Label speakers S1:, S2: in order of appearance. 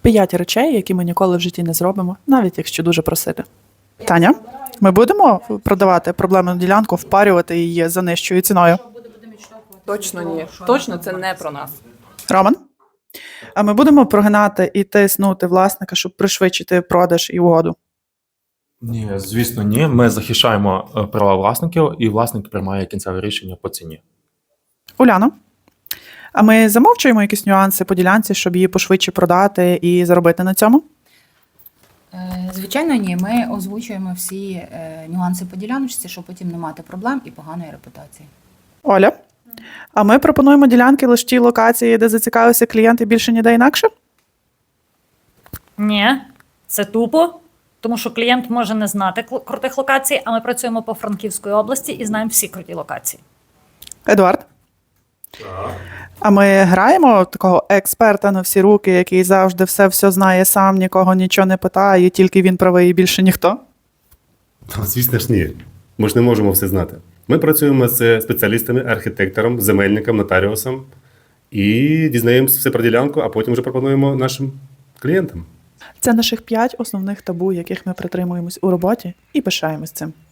S1: 5 речей, які ми ніколи в житті не зробимо, навіть якщо дуже просити. Таня, ми будемо продавати проблемну ділянку, впарювати її за нижчою ціною?
S2: Точно ні. Точно це не про нас.
S1: Роман? А ми будемо прогинати і тиснути власника, щоб пришвидшити продаж і угоду?
S3: Ні, звісно, ні. Ми захищаємо права власників, і власник приймає кінцеве рішення по ціні.
S1: Уляно? А ми замовчуємо якісь нюанси по ділянці, щоб її пошвидше продати і заробити на цьому?
S4: Звичайно, ні. Ми озвучуємо всі нюанси по діляночці, щоб потім не мати проблем і поганої репутації.
S1: Оля? А ми пропонуємо ділянки лише ті локації, де зацікавився клієнт і більше ніде інакше?
S5: Ні, це тупо, тому що клієнт може не знати крутих локацій, а ми працюємо по Франківської області і знаємо всі круті локації.
S1: Едуард? А ми граємо такого експерта на всі руки, який завжди все знає сам, нікого нічого не питає, тільки він правий і більше ніхто?
S6: Звісно ж, ні. Ми ж не можемо все знати. Ми працюємо з спеціалістами, архітектором, земельником, нотаріусом і дізнаємося все про ділянку, а потім вже пропонуємо нашим клієнтам.
S1: Це наших 5 основних табу, яких ми притримуємось у роботі і пишаємось цим.